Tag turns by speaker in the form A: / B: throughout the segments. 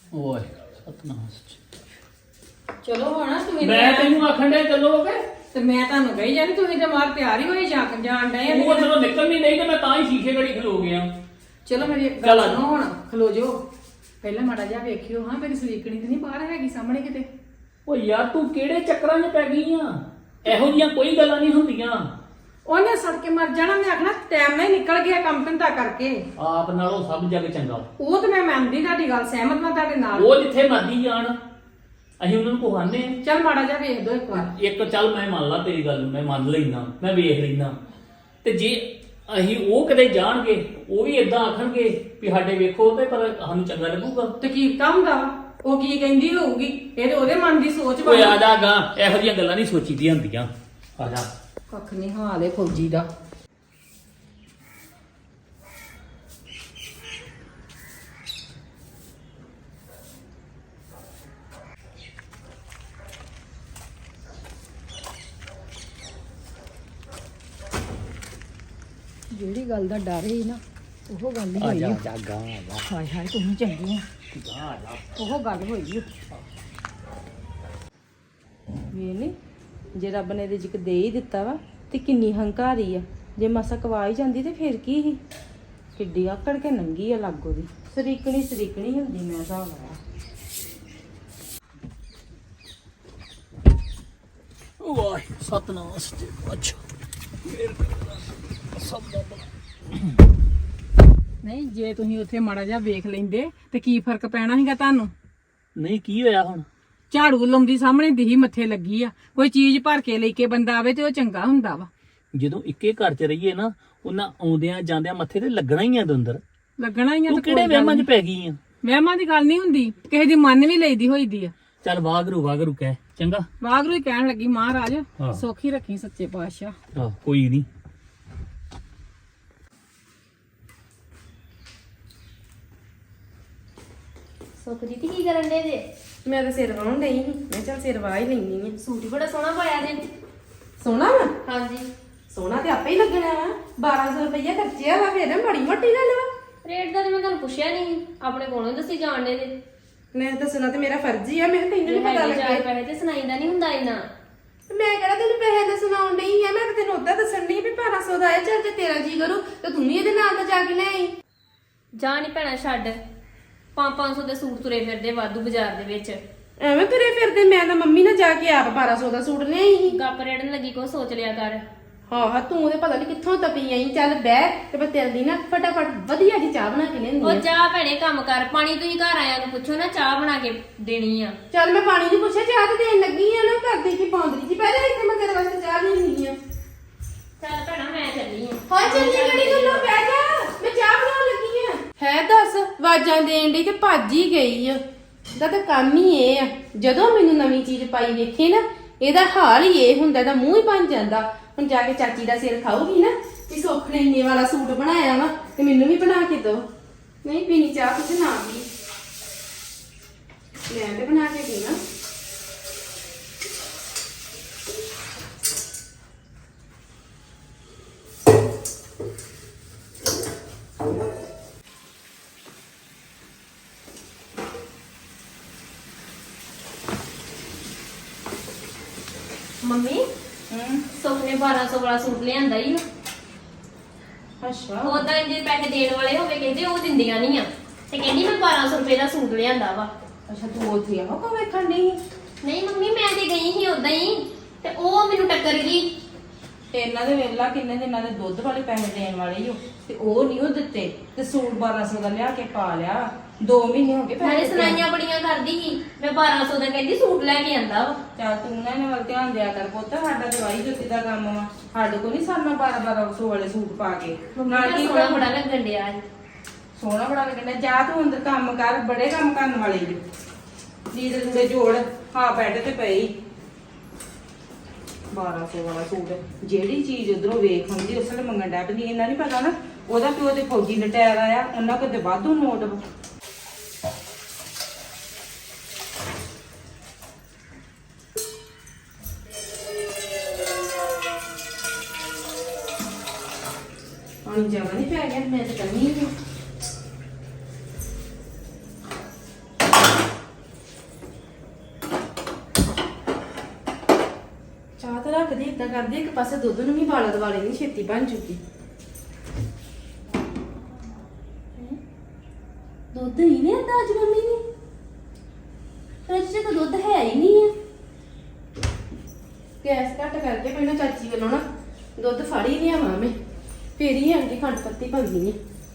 A: ਓਏ ਸਤਨਾਮ
B: ਚਲੋ ਹੁਣ ਤੁਸੀਂ
A: ਮੈਂ ਤੈਨੂੰ ਆਖਣ ਡਿਆ ਚੱਲੋਗੇ
B: ਤੇ ਮੈਂ ਤੁਹਾਨੂੰ ਕਹੀ ਜਾਂਦੀ ਤੁਸੀਂ ਤੇ ਮਾਰ ਤਿਆਰ ਹੀ ਹੋਏ ਜਾਣ ਡਏ ਆ।
A: ਉਹ ਜਦੋਂ ਨਿਕਲ ਨਹੀਂ ਨਹੀਂ ਤੇ ਮੈਂ ਤਾਂ ਹੀ ਸ਼ੀਸ਼ੇ ਘੜੀ ਖਲੋ ਗਿਆ।
B: ਚਲੋ ਮੇਰੀ ਇੱਕ
A: ਚੱਲ
B: ਗੱਲ
A: ਆ ਜਾ।
B: ਸੁਣੋ ਹੁਣ ਖਲੋ ਜਾਓ ਪਹਿਲਾਂ ਮਾੜਾ ਜਿਹਾ ਵੇਖਿਓ ਹਾਂ ਮੇਰੀ ਸਰੀਕਣੀ ਤੇ ਨਹੀਂ ਬਾਹਰ ਹੈਗੀ ਸਾਹਮਣੇ ਕਿਤੇ।
A: ਓ ਯਾਰ ਤੂੰ ਕਿਹੜੇ ਚੱਕਰਾਂ 'ਚ ਪੈ ਗਈ ਆ? ਇਹੋ ਜੀਆਂ ਕੋਈ ਗੱਲਾਂ ਨਹੀਂ ਹੁੰਦੀਆਂ।
B: ਉਹਨੇ ਸੜ ਕੇ ਮਰ ਜਾਣਾ। ਮੈਂ ਆਖਣਾ ਟਾਈਮ ਨਾਲ ਹੀ ਨਿਕਲ ਗਿਆ ਕੰਮ ਧੰਦਾ ਕਰਕੇ।
A: ਆਪ ਨਾਲੋਂ ਸਭ ਜੱਗ ਚੰਗਾ।
B: ਉਹ ਤੇ ਮੈਂ ਮੰਨਦੀ ਤੁਹਾਡੀ ਗੱਲ ਸਹਿਮਤ ਮੈਂ ਤੁਹਾਡੇ ਨਾਲ।
A: ਉਹ ਜਿੱਥੇ ਮਰਦੀ ਜਾਣ ਅਸੀਂ ਉਹਨਾਂ ਨੂੰ ਕਹਾਂਦੇ ਆ।
B: ਚੱਲ ਮਾੜਾ ਜਿਹਾ ਵੇਖ ਦੋ ਇੱਕ ਵਾਰ।
A: ਇੱਕ ਚੱਲ ਮੈਂ ਮੰਨ ਲਾ ਤੇਰੀ ਗੱਲ ਨੂੰ, ਮੈਂ ਮੰਨ ਲੈਣਾ, ਮੈਂ ਵੇਖ ਲੈਣਾ। ਤੇ ਜੇ ਅਸੀਂ ਉਹ ਕਿਤੇ ਜਾਣਗੇ ਉਹ ਵੀ ਇਦਾਂ ਆਖਣਗੇ ਵੀ ਸਾਡੇ ਵੇਖੋ ਤੇ ਪਰ ਸਾਨੂੰ ਚੰਗਾ ਲੱਗੂਗਾ।
B: ਤੇ ਕੀਤਾ ਹੁੰਦਾ ਵਾ ਉਹ ਕੀ ਕਹਿੰਦੀ ਹੋਊਗੀ ਇਹ ਤੇ ਉਹਦੇ ਮਨ ਦੀ ਸੋਚ
A: ਓਏ ਆ ਜਾ ਗਾ, ਇਹੋ ਜਿਹੀਆਂ ਗੱਲਾਂ ਨਹੀਂ ਸੋਚੀਦੀਆਂ ਹੁੰਦੀਆਂ। ਆ ਜਾ।
B: ਕੱਖ ਨਹੀਂ ਹਾਲ ਏ ਫੌਜੀ ਦਾ। ਜਿਹੜੀ ਗੱਲ ਦਾ ਡਰ ਹੀ ਨਾ ਉਹ ਗੱਲ ਹੀ ਹੋਈ।
A: ਆ ਜਾ ਗਾ ਆ ਜਾ
B: ਹਾਏ ਹਾਏ ਤੁਸੀਂ ਚੰਗੇ ਆ।
A: ਗਾ ਆ ਜਾ।
B: ਉਹ ਗੱਲ ਹੋਈ ਵੇ ਨੀ ਜੇ ਰੱਬ ਨੇ ਰਿਜ਼ਕ ਦੇ ਹੀ ਦਿੱਤਾ ਵਾ ਤੇ ਕਿੰਨੀ ਹੰਕਾਰੀ ਆ। ਜੇ ਮਸਾ ਕਵਾ ਹੀ ਜਾਂਦੀ ਤੇ ਫਿਰ ਕੀ ਸੀ। ਕਿੱਡੀ ਆਕੜ ਕੇ ਨੰਗੀ ਆ ਲਾਗੋ ਦੀ। ਸਰੀਕਣੀ ਹੁੰਦੀ ਮੈਂ ਹਿਸਾਬ ਲਾਇਆ।
A: ਵਾਹ ਸਤਨਾਮ ਸੱਚੇ ਅੱਛਾ ਸਭ ਦਾ
B: ਨਹੀਂ ਜੇ ਤੁਸੀਂ ਉੱਥੇ ਮਾੜਾ ਜਿਹਾ ਵੇਖ ਲੈਂਦੇ ਤੇ ਕੀ ਫਰਕ ਪੈਣਾ ਸੀਗਾ ਤੁਹਾਨੂੰ।
A: ਨਹੀਂ ਕੀ ਹੋਇਆ ਹੁਣ?
B: ਝਾੜੂ ਲਾਉਂਦੀ ਸਾਹਮਣੇ ਦਿਹੀ ਮੱਥੇ ਲੱਗੀ ਆ। ਕੋਈ ਚੀਜ਼ ਭਰ ਕੇ ਲੈ ਕੇ ਬੰਦਾ ਆਵੇ ਤੇ ਉਹ ਚੰਗਾ ਹੁੰਦਾ ਵਾ।
A: ਜਦੋਂ ਇੱਕੇ ਘਰ 'ਚ ਰਹੀਏ ਨਾ ਉਹਨਾਂ ਆਉਂਦਿਆਂ ਜਾਂਦਿਆਂ ਮੱਥੇ ਤੇ ਲੱਗਣਾ ਹੀ ਆ ਦੰਦਰ।
B: ਲੱਗਣਾ ਹੀ ਆ।
A: ਤੂੰ ਕਿਹੜੇ ਵਹਿਮਾਂ 'ਚ ਪੈ ਗਈ ਆ?
B: ਵਹਿਮਾਂ ਦੀ ਗੱਲ ਨਹੀਂ ਹੁੰਦੀ ਕਿਸੇ ਦੀ ਮਨ ਵੀ ਲਈਦੀ ਹੋਈਦੀ ਆ।
A: ਚੱਲ ਵਾਗਰੂ ਕਹਿ ਚੰਗਾ।
B: ਵਾਗਰੂ ਹੀ ਕਹਿਣ ਲੱਗੀ ਮਹਾਰਾਜ
A: ਹਾਂ।
B: ਸੌਖੀ ਰੱਖੀ ਸੱਚੇ ਪਾਤਸ਼ਾਹ।
A: ਆਹ ਕੋਈ ਨਹੀਂ।
C: ਸੁੱਖ ਦੀ ਕੀ ਕਰਨ ਦੇ ਜੇ?
B: ਮੈਂ ਤਾਂ ਸਿਰ ਵਾਉਣ ਡਈ ਸੀ। ਮੈਂ ਚੱਲ ਸਿਰ ਵਾਹ ਹੀ ਲੈਣੀ ਆ।
C: ਸੂਟ ਹੀ ਬੜਾ ਸੋਹਣਾ ਪਾਇਆ ਜੇ।
B: ਸੋਹਣਾ ਵਾ।
C: ਹਾਂਜੀ
B: ਸੋਹਣਾ ਤੇ ਆਪੇ ਹੀ ਲੱਗਣਾ ਵਾ। 1200 ਰੁਪਇਆ ਖਰਚਿਆ ਵਾ ਫਿਰ ਮਾੜੀ ਮੋਟੀ ਗੱਲ ਵਾ।
C: ਰੇਟ ਦਾ ਤੇ ਮੈਂ ਤੁਹਾਨੂੰ ਪੁੱਛਿਆ ਨਹੀਂ, ਆਪਣੇ ਕੋਲੋਂ ਦੱਸੀ ਜਾਣਦੇ ਜੇ।
B: ਮੈਂ ਦੱਸਣਾ ਤੇ ਮੇਰਾ ਫਰਜ਼ ਹੀ ਆ। ਮੈਂ ਕਿਹਾ ਤੈਨੂੰ ਨੀ ਪਤਾ
C: ਚਾਰ
B: ਲੱਗੇ।
C: ਪੈਸੇ ਤੇ ਸੁਣਾਈਦਾ ਨਹੀਂ ਹੁੰਦਾ ਇੰਨਾ।
B: ਮੈਂ ਕਿਹੜਾ ਤੈਨੂੰ ਪੈਸੇ ਦਾ ਸੁਣਾਉਣ ਡਈ ਆ। ਮੈਂ ਤਾਂ ਤੈਨੂੰ ਉਦਾਂ ਦੱਸਣ ਡਈ ਵੀ 1200 ਦਾ ਆਇਆ। ਚੱਲ ਜੇ ਤੇਰਾ ਜੀ ਕਰੂ ਤੇ ਤੂੰ ਵੀ ਇਹਦੇ ਨਾਲ ਤਾਂ ਜਾ ਕੇ ਲੈ ਆਈ।
C: ਜਾ ਨਹੀਂ ਭੈਣਾ ਛੱਡ। 500 ਦੇ ਸੂਟ ਤੁਰੇ ਫਿਰਦੇ ਵਾਧੂ ਬਾਜ਼ਾਰ ਦੇ ਵਿੱਚ।
B: ਐਵੇਂ ਤੁਰੇ ਫਿਰਦੇ। ਮੈਂ ਤਾਂ ਮੰਮੀ ਨਾਲ ਜਾ ਕੇ ਆਪ 1200 ਦਾ ਸੂਟ ਲਿਆਈ ਸੀ।
C: ਗੱਪ ਰੇੜਨ ਲੱਗੀ ਕੋ ਸੋਚ ਲਿਆ ਕਰ।
B: ਹਾਂ ਤੂੰ ਉਹਦੇ ਪਤਾ ਨਹੀਂ ਕਿੱਥੋਂ ਤਪੀ ਆਈ। ਚੱਲ ਬਹਿ ਤੇ ਮੈਂ ਤੇਰੇ ਦੀ ਨਾ ਫਟਾਫਟ ਵਧੀਆ ਜੀ ਚਾਹ ਬਣਾ ਕੇ ਲਿਆਂਦੀ
C: ਉਹ
B: ਆ।
C: ਚਾਹ ਭੈਣੇ ਕੰਮ ਕਰ। ਪਾਣੀ ਤੁਸੀਂ ਘਰ ਆਇਆਂ ਨੂੰ ਪੁੱਛੋ ਨਾ, ਚਾਹ ਬਣਾ ਕੇ ਦੇਣੀ ਆ।
B: ਚੱਲ ਮੈਂ ਪਾਣੀ ਦੀ ਪੁੱਛਿਆ ਚਾਹ ਤੇ ਦੇਣ ਲੱਗੀ ਆ ਨਾ। ਕਰਦੀ ਕੀ ਪੌਂਦਰੀ ਜੀ ਪਹਿਲੇ ਇੱਥੇ ਮੈਂ ਤੇਰੇ ਵਾਸਤੇ ਚਾਹ ਲੈਣੀ ਆ।
C: ਚੱਲ ਭੈਣਾ ਮੈਂ ਚੱਲੀ ਆ।
B: ਹਾਂ ਚੱਲੀ ਕਿਹੜੀ ਗੱਲੋਂ ਬਹਿ ਜਾ। ਮੈਂ ਚਾਹ ਬਣਾਉਣ ਲੱਗੀ ਆ। ਹੈ ਦੱਸ ਆਵਾਜ਼ਾਂ ਦੇਣ ਦੀ ਤੇ ਭੱਜ ਹੀ ਗਈ ਆ। ਦਾ ਤਾਂ ਕੰਮ ਹੀ ਇਹ ਆ। ਜਦੋਂ ਮੈਨੂੰ ਨਵੀਂ ਚੀਜ਼ ਪਾਈ ਵੇਖੇ ਨਾ ਇਹਦਾ ਹਾਲ ਹੀ ਇਹ ਹੁੰਦਾ। ਇਹਦਾ ਮੂੰਹ ਹੀ ਬਣ ਜਾਂਦਾ। ਹੁਣ ਜਾ ਕੇ ਚਾਚੀ ਦਾ ਸਿਰ ਖਾਊਗੀ ਨਾ ਕਿ ਸੁੱਖ ਨੇ ਇੰਨੇ ਵਾਲਾ ਸੂਟ ਬਣਾਇਆ ਵਾ ਤੇ ਮੈਨੂੰ ਵੀ ਬਣਾ ਕੇ ਦਿਓ। ਨਹੀਂ ਪੀਣੀ ਚਾਹ ਕੁਝ ਨਾ ਪੀ। ਮੈਂ ਤੇ ਬਣਾ ਕੇ ਪੀਣਾ।
C: ਮੰਮੀ ਸੁੱਖ ਨੇ 1200 ਵਾਲਾ ਸੂਟ ਲਿਆਂਦਾ ਹੀ।
B: ਅੱਛਾ
C: ਉਦਾਂ ਜੇ ਪੈਸੇ ਦੇਣ ਵਾਲੇ ਹੋਵੇ ਕਹਿੰਦੇ ਉਹ ਦਿੰਦੀਆਂ ਨਹੀਂ ਆ। ਤੇ ਕਹਿੰਦੀ ਮੈਂ 1200 ਰੁਪਏ ਦਾ ਸੂਟ ਲਿਆਂਦਾ ਵਾ।
B: ਅੱਛਾ ਤੂੰ ਉੱਥੇ ਆਹੋ ਕੋ ਵੇਖਣ ਡਈ?
C: ਨਹੀਂ ਮੰਮੀ ਮੈਂ ਤੇ ਗਈ ਸੀ ਉਦਾਂ ਹੀ ਤੇ ਉਹ ਮੈਨੂੰ ਟੱਕਰ ਗਈ।
B: ਤੇ ਇਹਨਾਂ ਦੇ ਵੇਲਾ ਕਿੰਨੇ ਦਿਨਾਂ ਦੇ ਦੁੱਧ ਵਾਲੇ ਪੈਸੇ ਦੇਣ ਵਾਲੇ ਹੀ ਤੇ ਉਹ ਨਹੀਂ ਉਹ ਦਿੱਤੇ ਤੇ ਸੂਟ 1200 ਦਾ ਲਿਆ ਕੇ ਪਾ ਲਿਆ। 2 ਮਹੀਨੇ ਹੋ ਗਏ
C: ਨਾਲੇ ਸੁਣਾਈਆਂ ਬੜੀਆਂ ਕਰਦੀ ਸੀ। ਮੈਂ 1200 ਦਾ ਕਹਿੰਦੀ ਸੂਟ ਲੈ ਕੇ ਆਂਦਾ ਵਾ।
B: ਚੱਲ ਤੂੰ ਨਾ ਇਹਨਾਂ ਵੱਲ ਧਿਆਨ ਦਿਆ ਕਰ ਪੁੱਤ। ਸਾਡਾ ਦਵਾਈ ਜੁੱਤੀ ਦਾ ਕੰਮ ਵਾ। ਸਾਡੇ ਕੋਲ ਨਹੀਂ ਸਰਨਾ 1200 ਵਾਲੇ ਸੂਟ ਪਾ ਕੇ। ਨਾਲ ਕੀ
C: ਸੋਹਣਾ ਬੜਾ ਲੱਗਣ ਡਿਆ ਸੀ।
B: ਸੋਹਣਾ ਬੜਾ ਲੱਗਣਾ। ਜਾ ਤੂੰ ਅੰਦਰ ਕੰਮ ਕਰ। ਬੜੇ ਕੰਮ ਕਰਨ ਵਾਲੇ ਜੀ। ਲੀੜੇ ਲੂੜੇ ਜੋੜ। ਹਾਂ ਬੈੱਡ ਤੇ ਪਈ 1200 ਵਾਲਾ ਸੂਟ। ਜਿਹੜੀ ਚੀਜ਼ ਉਧਰੋਂ ਵੇਖ ਹੁੰਦੀ ਉਸ ਵੇਲੇ ਮੰਗਣ ਡੈ ਪੈਂਦੀ। ਇਹਨਾਂ ਨਹੀਂ ਪਤਾ ਨਾ ਉਹਦਾ ਪਿਓ ਤੇ ਫੌਜੀ ਲਟਾਇਆ ਆਇਆ। ਉਹਨਾਂ ਕੋਲ ਤੇ ਵਾਧੂ ਨੋਟ ਵਾ। ਪਾਣੀ ਜ਼ਿਆਦਾ ਨਹੀਂ ਪੈ ਗਿਆ। ਮੈਂ ਤਾਂ ਕਰਨੀ ਨਹੀਂ। ਕਰਦੇ ਇੱਕ ਪਾਸੇ ਦੁੱਧ ਨੂੰ ਵੀ ਵਾਲਾ ਦਵਾਲੇ ਨਹੀਂ ਛੇਤੀ ਬਣ ਚੁੱਕੀ। ਦੁੱਧ ਹੀ ਨਹੀਂ ਆਂਦਾ ਅੱਜ ਮੰਮੀ ਨੇ, ਫਰਿੱਜ 'ਚ ਤਾਂ ਦੁੱਧ ਹੈ ਹੀ ਨਹੀਂ ਆ। ਗੈਸ ਘੱਟ ਕਰਕੇ ਪਹਿਲਾਂ ਚਾਚੀ ਵੱਲੋਂ ਨਾ ਦੁੱਧ ਫੜ ਹੀ ਲਿਆਵਾਂ ਮੈਂ, ਫੇਰ ਹੀ ਆਂਦੀ ਖੰਡ ਪੱਤੀ ਪਾਉਂਦੀ ਆ।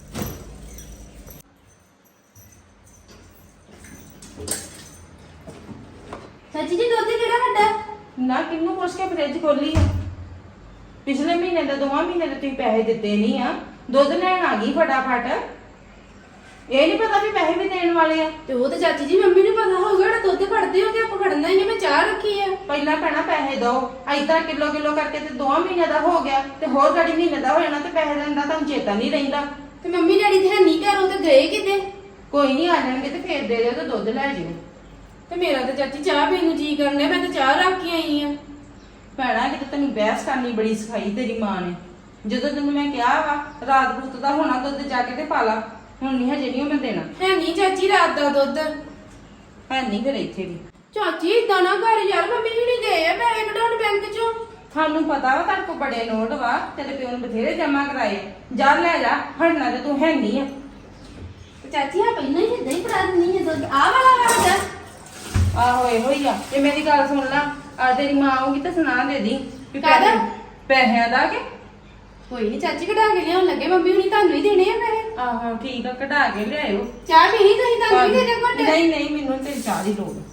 B: ਚਾਚੀ ਜੀ ਦੁੱਧ ਕਿਹੜਾ ਵੱਡਾ?
D: ਨਾ ਕਿੰਨੂੰ ਪੁੱਛ ਕੇ ਫ੍ਰਿਜ ਖੋਲੀ ਆ? ਪਿਛਲੇ ਮਹੀਨੇ ਦਾ 2 ਮਹੀਨੇ ਦੇ ਤੁਸੀਂ ਪੈਸੇ ਦਿੱਤੇ ਨਹੀਂ ਆ, ਦੁੱਧ ਲੈਣ ਆ ਗਈ ਫਟਾਫਟ। ਇਹ ਨਹੀਂ ਪਤਾ ਵੀ ਪੈਸੇ ਵੀ ਦੇਣ ਵਾਲੇ ਆ।
B: ਤੇ ਉਹ ਤਾਂ ਚਾਚੀ ਜੀ ਮੰਮੀ ਨੂੰ ਪਤਾ ਹੋਊਗਾ ਜਿਹੜਾ ਦੁੱਧ ਫੜਦੇ ਹੋ ਤੇ ਆਪਾਂ ਫੜਨਾ ਹੀ ਨਹੀਂ। ਮੈਂ ਚਾਹ ਰੱਖੀ ਆ।
D: ਪਹਿਲਾਂ ਭੈਣਾ ਪੈਸੇ ਦੋ, ਏਦਾਂ ਕਿਲੋ ਕਰਕੇ ਤੇ 2 ਮਹੀਨੇ ਦਾ ਹੋ ਗਿਆ ਤੇ ਹੋਰ ਗਾੜੀ ਮਹੀਨੇ ਦਾ ਹੋ ਜਾਣਾ ਤੇ ਪੈਸੇ ਦੇਣ ਦਾ ਤੁਹਾਨੂੰ ਚੇਤਾ ਨਹੀਂ ਰਹਿੰਦਾ।
B: ਤੇ ਮੰਮੀ ਡੈਡੀ ਤੇ ਹੈ ਨਹੀਂ ਘਰ, ਉਹ ਤੇ ਗਏ ਕਿਤੇ।
D: ਕੋਈ ਨਹੀਂ, ਆ ਜਾਣਗੇ ਤੇ ਫੇਰ ਦੇ ਦਿਓ ਤੇ ਦੁੱਧ ਲੈ ਜਿਓ।
B: ਤੇ ਮੇਰਾ ਤਾਂ ਚਾਚੀ ਚਾਹ ਪੀਣ ਨੂੰ ਜੀ ਕਰਨਾ, ਮੈਂ ਤਾਂ ਚਾਹ ਰੱਖ ਕੇ ਆਈ ਆ।
D: ਭੈਣਾ ਕਿਤੇ ਤੈਨੂੰ ਬਹਿਸ ਕਰਨੀ ਬੜੀ ਸਿਖਾਈ ਤੇਰੀ ਮਾਂ ਨੇ। ਜਦੋਂ ਤੈਨੂੰ ਮੈਂ ਕਿਹਾ ਵਾ ਰਾਤ ਰੂਤ ਦਾ ਹੋਣਾ ਦੁੱਧ ਜਾ ਕੇ ਤੇ ਪਾ ਲਾ, ਹੁਣ ਨਹੀਂ ਹਜੇ ਨਹੀਂ ਮੈਂ ਦੇਣਾ।
B: ਹੈ ਨਹੀਂ ਚਾਚੀ ਰਾਤ ਦਾ ਦੁੱਧ।
D: ਹੈ ਨਹੀਂ ਫਿਰ ਇੱਥੇ ਵੀ।
B: ਚਾਚੀ ਇਦਾਂ ਨਾ ਕਰ ਯਾਰ, ਮੰਮੀ ਜੀ ਨਹੀਂ ਗਏ ਆ ਪੈਸੇ ਕਢਾਉਣ ਬੈਂਕ ਚੋਂ।
D: ਸਾਨੂੰ ਪਤਾ ਵਾ ਤੁਹਾਡੇ ਕੋਲ ਬੜੇ ਨੋਟ ਵਾ, ਤੇਰੇ ਪਿਓ ਨੇ ਬਥੇਰੇ ਜਮਾ ਕਰਾਏ। ਜਾ ਲੈ ਜਾ, ਹਟਣਾ ਤੇ ਤੂੰ ਹੈ ਨਹੀਂ ਆ।
B: ਤੇ ਚਾਚੀ ਆ ਪਹਿਲਾਂ ਹੀ ਇਦਾਂ ਹੀ ਫੜਾ ਦਿੰਦੀ ਹੈ ਦੁੱਧ। ਆ ਵਾਲਾ ਵਾਲਾ
D: ਆਹੋ ਇਹੋ ਹੀ ਆ। ਤੇ ਮੇਰੀ ਗੱਲ ਸੁਣ ਲਾ, ਆ ਤੇਰੀ ਮਾਂ ਆਊਗੀ ਤਾਂ ਸੁਣਾ ਦੇ ਦੀ ਵੀ
B: ਕਾਹਦਾ?
D: ਪੈਸਿਆਂ ਦਾ ਕਿ
B: ਕੋਈ ਨਹੀਂ ਚਾਚੀ ਕਢਾ ਕੇ ਲਿਆਉਣ ਲੱਗੇ, ਮੰਮੀ ਹੁਣੀ ਤੁਹਾਨੂੰ ਹੀ ਦੇਣੇ ਆ ਪੈਸੇ।
D: ਆਹੋ ਠੀਕ ਆ, ਕਢਾ ਕੇ ਲਿਆਇਓ।
B: ਚਾਹ ਪੀਣੀ ਤੁਸੀਂ? ਤੁਹਾਨੂੰ ਵੀ ਦੇ ਦੇ ਘੁੱਟ।
D: ਨਹੀਂ ਨਹੀਂ, ਮੈਨੂੰ ਤੇ ਚਾਹ ਦੀ ਲੋੜ।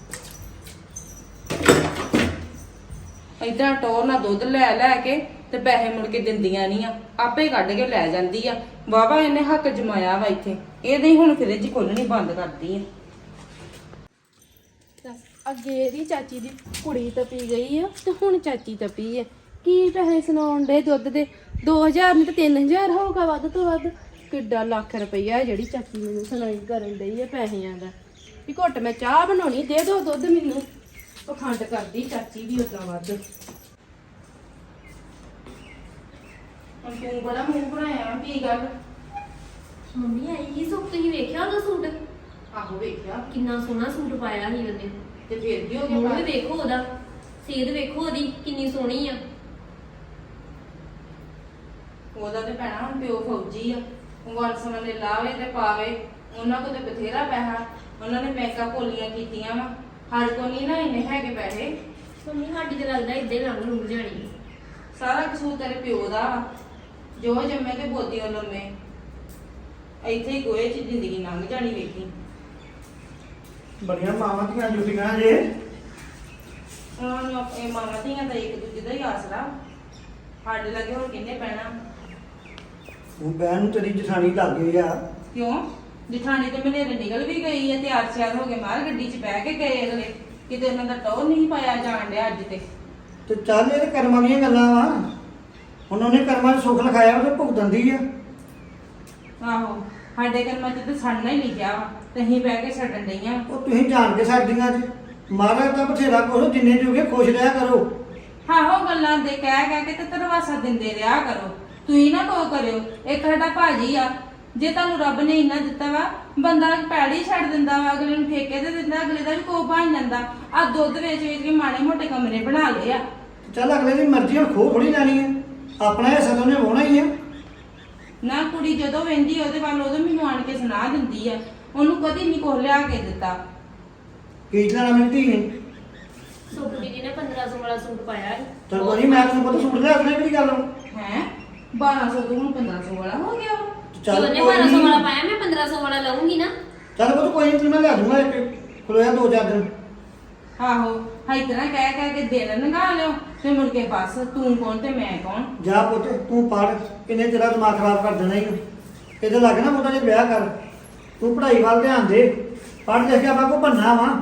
D: ਏਦਾਂ ਟੋਰ ਨਾਲ ਦੁੱਧ ਲੈ ਲੈ ਕੇ ਤੇ ਪੈਸੇ ਮੁੜ ਕੇ ਦਿੰਦੀਆਂ ਨਹੀਂ ਆ, ਆਪੇ ਕੱਢ ਕੇ ਲੈ ਜਾਂਦੀ ਆ। ਵਾਵਾ ਇਹਨੇ ਹੱਕ ਜਮਾਇਆ ਵਾ ਇੱਥੇ, ਇਹਦੇ ਹੀ ਹੁਣ ਫਰਿੱਜ ਖੋਲਣੀ ਬੰਦ ਕਰਦੀ ਆ।
B: ਅੱਗੇ ਦੀ ਚਾਚੀ ਦੀ ਕੁੜੀ ਤਪੀ ਗਈ ਆ ਤੇ ਹੁਣ ਚਾਚੀ ਤਪੀ ਆ। ਕੀ ਪੈਸੇ ਸੁਣਾਉਣ ਦੇ ਦੁੱਧ ਦੇ? 2000 ਨਹੀਂ ਤੇ 3000 ਹੋਊਗਾ ਵੱਧ ਤੋਂ ਵੱਧ। ਕਿੱਡਾ ਲੱਖ ਰੁਪਈਆ ਜਿਹੜੀ ਚਾਚੀ ਮੈਨੂੰ ਸੁਣਾਈ ਕਰਨ ਡਈ ਆ ਪੈਸਿਆਂ ਦਾ। ਵੀ ਘੁੱਟ ਮੈਂ ਚਾਹ ਬਣਾਉਣੀ, ਦੇ ਦੋ ਦੁੱਧ ਮੈਨੂੰ। ਪਖੰਡ ਕਰਦੀ ਚਾਚੀ ਵੀ ਉਦਾਂ ਵੱਧ।
D: ਹੁਣ ਤੂੰ ਬੜਾ ਮੂੰਹ ਬਣਾਇਆ, ਕੀ ਗੱਲ?
C: ਮੰਮੀ ਆਈ ਕੀ ਸੁੱਕ, ਤੁਸੀਂ ਵੇਖਿਆ ਉਹਦਾ ਸੂਟ?
D: ਆਹੋ ਵੇਖਿਆ।
C: ਕਿੰਨਾ ਸੋਹਣਾ ਸੂਟ ਪਾਇਆ ਸੀ ਉਹਨੇ।
D: ਤੇ ਫੇਰ ਕੀ ਹੋ
C: ਮੂੰਹ
D: ਗਿਆ?
C: ਵੀ ਵੇਖੋ ਉਹਦਾ, ਸੇਧ ਵੇਖੋ ਉਹਦੀ ਕਿੰਨੀ ਸੋਹਣੀ ਆ।
D: ਉਹਦਾ ਤੇ ਭੈਣਾ ਹੁਣ ਪਿਓ ਫੌਜੀ ਆ, ਵਰਸਨ ਲੈ ਲਾਵੇ ਤੇ ਪਾਵੇ। ਉਹਨਾਂ ਕੋਲ ਤੇ ਬਥੇਰਾ ਪੈਸਾ, ਉਹਨਾਂ ਨੇ ਬੈਂਕਾਂ ਭੋਲੀਆਂ ਕੀਤੀਆਂ ਵਾ। ਸਾਡੇ ਕੋਲ ਨਹੀਂ ਨਾ ਇੰਨੇ ਹੈਗੇ ਪੈਸੇ।
C: ਮੰਮੀ ਸਾਡੀ ਤੇ ਲੱਗਦਾ ਏਦਾਂ ਹੀ ਲੰਘ ਲੁੰਘ ਜਾਣੀ।
D: ਸਾਰਾ ਕਸੂਰ ਤੇਰੇ ਪਿਓ ਦਾ ਵਾ, ਜੋ ਜੰਮੇ ਤੇ ਬੋਦੀ ਉਹ ਲੰਮੇ। ਇੱਥੇ ਹੀ ਗੋਏ ਚ ਜ਼ਿੰਦਗੀ ਲੰਘ ਜਾਣੀ ਵੇਖੀ।
E: ਬੜੀਆਂ ਮਾਵਾਂ ਦੀਆਂ ਜੁਟੀਆਂ ਜੇ।
D: ਉਹਨਾਂ ਨੂੰ ਇਹ ਮਾਵਾਂ ਧੀਆਂ ਦਾ ਇੱਕ ਦੂਜੇ ਦਾ ਹੀ ਆਸਰਾ। ਸਾਡੇ ਲੱਗੇ ਹੁਣ ਕਿੰਨੇ ਪੈਣਾ।
E: ਹੁਣ ਬਹਿਣ ਨੂੰ ਤੇਰੀ ਜਠਾਣੀ ਲੱਗ ਗਈ ਆ।
D: ਕਿਉਂ? ਜਠਾਣੀ ਤੇ ਮਨੇਰੇ ਨਿਕਲ ਵੀ ਗਈ ਹੈ, ਤਿਆਰ ਸ਼ਿਆਰ ਹੋ ਕੇ ਮਾਰ ਗੱਡੀ 'ਚ ਬਹਿ ਕੇ ਗਏ ਅਗਲੇ। ਕਿਤੇ ਉਹਨਾਂ ਦਾ ਟੌਰ ਨਹੀਂ ਪਾਇਆ ਜਾਣ ਡਿਆ ਅੱਜ ਤੇ
E: ਚੱਲ ਇਹ ਤੇ ਕਰਮਾਂ ਦੀਆਂ ਗੱਲਾਂ ਵਾ। ਹੁਣ ਉਹਨੇ ਕਰਮਾਂ 'ਚ ਸੁੱਖ ਲਿਖਾਇਆ, ਉਹ ਤੇ ਭੁਗਤਣ ਦੀ ਆ।
D: ਆਹੋ, ਸਾਡੇ ਕਰਮਾਂ 'ਚ ਤੇ ਸੜਨਾ ਹੀ ਲਿਖਿਆ ਵਾ ਤੇ ਅਸੀਂ ਬਹਿ ਕੇ ਛੱਡਣ ਡਈਆਂ।
E: ਉਹ ਤੁਸੀਂ ਜਾਣ ਕੇ ਛੱਡਦੀਆਂ ਜੀ। ਮਹਾਰਾਜ ਤਾਂ ਬਥੇਰਾ ਕੁਛ, ਜਿੰਨੇ ਜੋਗੇ ਖੁਸ਼ ਰਿਹਾ ਕਰੋ।
D: ਆਹੋ, ਗੱਲਾਂ ਦੇ ਕਹਿ ਕੇ ਤੇ ਧਰਵਾਸਾ ਦਿੰਦੇ ਰਿਹਾ ਕਰੋ। ਤੁਸੀਂ ਨਾ ਕੋ ਕਰਿਓ। ਇੱਕ ਸਾਡਾ ਭਾਜੀ ਆ, ਜੇ ਤੁਹਾਨੂੰ ਰੱਬ ਨੇ ਇੰਨਾ ਦਿੱਤਾ ਵਾ, ਬੰਦਾ ਪੈੜੀ ਛੱਡ ਦਿੰਦਾ ਵਾ, ਅਗਲੇ ਨੂੰ ਠੇਕੇ ਤੇ ਦਿੰਦਾ, ਅਗਲੇ ਦਾ ਵੀ ਕੋਹ ਬਣ ਜਾਂਦਾ। ਆ ਦੁੱਧ ਵੇਚ ਵੇਚ ਕੇ ਮਾੜੇ ਮੋਟੇ ਕਮਰੇ ਬਣਾ ਲਏ ਆ।
E: ਚੱਲ ਅਗਲੇ ਦੀ ਮਰਜ਼ੀ, ਹੁਣ ਖੋ ਥੋੜੀ ਲੈਣੀ ਹੈ। ਆਪਣਾ ਹਿੱਸਾ ਤਾਂ ਉਹਨੇ ਵਾਹੁਣਾ ਹੀ ਆ।
D: ਨਾ ਕੁੜੀ ਜਦੋਂ ਵਹਿੰਦੀ ਉਹਦੇ ਵੱਲ ਉਦੋਂ ਮੈਨੂੰ ਆਣ ਕੇ ਸੁਣਾ ਦਿੰਦੀ ਆ। ਉਹਨੂੰ ਕਦੀ ਨਹੀਂ ਕੁਛ ਲਿਆ ਕੇ ਦਿੱਤਾ।
E: ਕੀ ਲੈਣਾ ਮੇਰੀ ਧੀ ਨੇ?
C: ਸੁੱਕ ਜੀ ਨੇ 1500 ਵਾਲਾ ਸੂਟ ਪਾਇਆ ਸੀ।
E: ਚੱਲ ਕੋਈ ਨੀ, ਮੈਂ ਤੁਹਾਨੂੰ ਪਤਾ ਸੂਟ ਲਿਆ ਦੇਣਾ, ਕਿਹੜੀ ਗੱਲ ਵਾ।
D: ਹੈ 1200 ਤੋਂ ਹੁਣ 1500 ਵਾਲਾ ਹੋ ਗਿਆ ਵਾ।
C: ਜੇ ਉਹਨੇ 1200 ਵਾਲਾ ਪਾਇਆ, ਮੈਂ 1500 ਵਾਲਾ ਲਵਾਂਗੀ ਨਾ।
E: ਚੱਲ ਪੁੱਤ ਕੋਈ ਨਹੀਂ, ਮੈਂ ਲਿਆ ਦੂੰਗਾ ਇੱਕ ਖਲੋਇਆ 2-4 ਦਿਨ।
D: ਆਹੋ, ਹਾਈ ਤਰ੍ਹਾਂ ਕਹਿ ਕੇ ਦਿਨ ਲੰਘਾ ਲਿਓ ਤੇ ਮੁੜ ਕੇ ਬਸ ਤੂੰ ਕੌਣ ਤੇ ਮੈਂ ਕੌਣ।
E: ਜਾ ਪੁੱਤ ਤੂੰ ਪੜ੍ਹ, ਕਿੰਨੇ ਤੇਰਾ ਦਿਮਾਗ ਖਰਾਬ ਕਰ ਦੇਣਾ ਹੀ। ਇਹਦੇ ਲੱਗ ਨਾ ਮੁੰਡਾ ਜੇ ਵਿਆਹ ਕਰ। ਤੂੰ ਪੜ੍ਹਾਈ ਵੱਲ ਧਿਆਨ ਦੇ, ਪੜ੍ਹ ਲਿਖ ਕੇ ਆਪਾਂ ਕੋ ਬੰਨਾ ਵਾ।